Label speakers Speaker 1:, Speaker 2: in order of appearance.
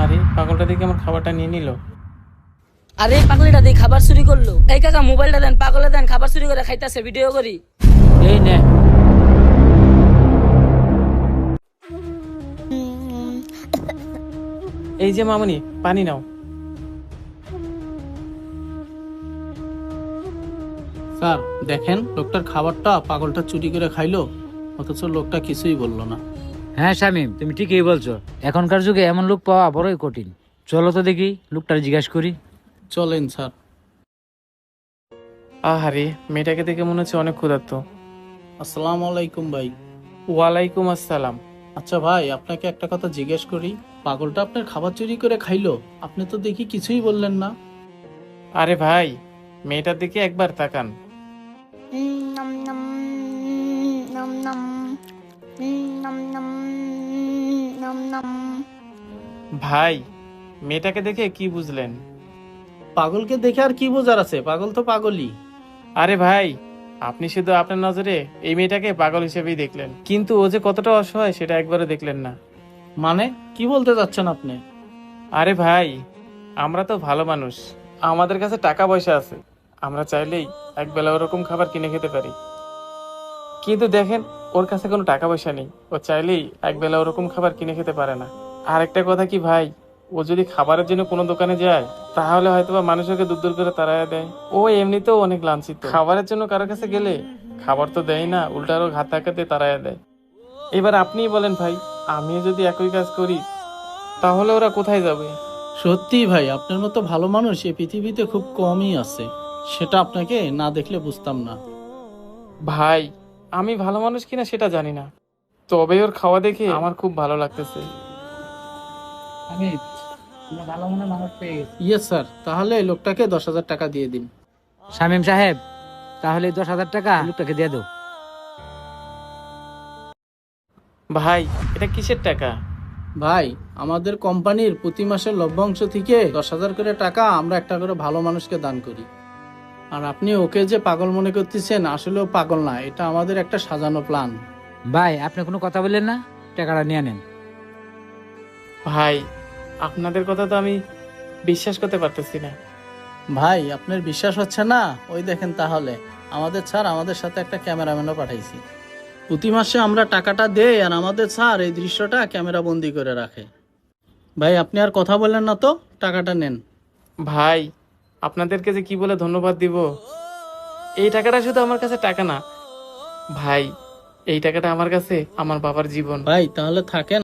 Speaker 1: আরে পাগলটা দেখে আমার খাবারটা নিয়ে নিল।
Speaker 2: আরে পাগলিটা দিয়ে খাবার চুরি করলো। এই কাকা মোবাইলটা দেন, পাগলে দেন, খাবার চুরি করে খাইতেছে, ভিডিও করি।
Speaker 1: এই নে। এই যে মামুনি, পানি নাও।
Speaker 3: স্যার দেখেন, লোকটার খাবারটা পাগলটা চুরি করে খাইলো, অথচ লোকটা কিছুই বললো না।
Speaker 4: হ্যাঁ শামিম, তুমি ঠিকই বলছো। এখনকার যুগে এমন লোক পাওয়া বড়ই কঠিন। চলো তো দেখি লোকটার জিজ্ঞাসা করি।
Speaker 3: চলেন স্যার।
Speaker 1: আহারে, মেয়েটাকে দেখে মনে হচ্ছে অনেক ক্ষুধার্ত।
Speaker 3: আসসালামু আলাইকুম ভাই।
Speaker 1: ওয়ালাইকুম আসসালাম।
Speaker 3: আচ্ছা ভাই, আপনাকে একটা কথা জিজ্ঞেস করি, পাগলটা আপনার খাবার চুরি করে খাইলো, আপনি তো দেখি কিছুই বললেন না।
Speaker 1: আরে ভাই, মেয়েটার দিকে একবার তাকান।
Speaker 5: Nom nom nom nom nom nom nom nom.
Speaker 1: ভাই, মেয়েটাকে দেখে কি বুঝলেন?
Speaker 3: পাগলকে দেখে আর কি বোঝার আছে, পাগল তো পাগলই।
Speaker 1: আরে ভাই, আপনি শুধু আপনার নজরে এই মেয়েটাকে পাগল হিসেবেই দেখলেন, কিন্তু ও যে কতটা অসহায় সেটা একবারও দেখলেন না।
Speaker 3: মানে কি বলতে চাচ্ছেন আপনি?
Speaker 1: আরে ভাই, আমরা তো ভালো মানুষ, আমাদের কাছে টাকা পয়সা আছে, আমরা চাইলেই একবেলা ওরকম খাবার কিনে খেতে পারি। কিন্তু দেখেন, ওর কাছে কোনো টাকা পয়সা নেই, ও চাইলেই একবেলা ওরকম খাবার কিনে খেতে পারে না। আর একটা কথা কি ভাই, ও যদি খাবারের জন্য কোনো দোকানে যায় তাহলে হয়তোবা মানুষকে দূর দূর করে তাড়ায় দেয়। ও এমনিতেও অনেক লাঞ্ছিত, খাবারের জন্য কারোর কাছে গেলে খাবার তো দেয় না, উল্টা আরো ঘাত ধাক্কাতে তাড়ায় দেয়। এবার আপনিই বলেন ভাই, আমিও যদি একই কাজ করি তাহলে ওরা কোথায় যাবে?
Speaker 3: সত্যি ভাই, আপনার মতো ভালো মানুষ এই পৃথিবীতে খুব কমই আছে, সেটা আপনাকে না দেখলে বুঝতাম না।
Speaker 1: ভাই, আমি ভালো মানুষ কিনা সেটা জানি না, তবে ওর খাওয়া দেখে আমার খুব ভালো লাগতেছে।
Speaker 4: আমি ভালো মনে মানুষ পেয়ে গেছি।
Speaker 3: ইয়ে স্যার, তাহলে এই লোকটাকে 10,000 টাকা দিয়ে দিন।
Speaker 4: শামিম সাহেব, তাহলে 10,000 টাকা লোকটাকে দিয়ে দাও।
Speaker 1: ভাই, এটা কিসের টাকা?
Speaker 3: ভাই, আমাদের কোম্পানির প্রতি মাসের লভ্যাংশ থেকে 10,000 করে টাকা আমরা একটা করে ভালো মানুষকে দান করি। আর আপনি ওকে যে পাগল মনে করতেছেন, আসলেও পাগল না, এটা আমাদের একটা সাজানো প্ল্যান।
Speaker 4: ভাই, আপনি কোনো কথা বললেন না, টাকাটা নিয়ে নেন।
Speaker 1: ভাই, আপনাদের কথা তো আমি বিশ্বাস করতে পারতেছি না।
Speaker 3: ভাই, আপনার বিশ্বাস হচ্ছে না? ওই দেখেন, তাহলে আমাদের স্যার আমাদের সাথে একটা ক্যামেরাম্যানও পাঠাইছি। প্রতি মাসে আমরা টাকাটা দেই আর আমাদের স্যার এই দৃশ্যটা ক্যামেরা বন্দি করে রাখে। ভাই, আপনি আর কথা বললেন না তো, টাকাটা নেন।
Speaker 1: ভাই, আপনাদেরকে যে কি বলে ধন্যবাদ দিব। এই টাকাটা শুধু আমার কাছে টাকা না ভাই, এই টাকাটা আমার কাছে আমার বাবার জীবন।
Speaker 3: ভাই, তাহলে থাকেন।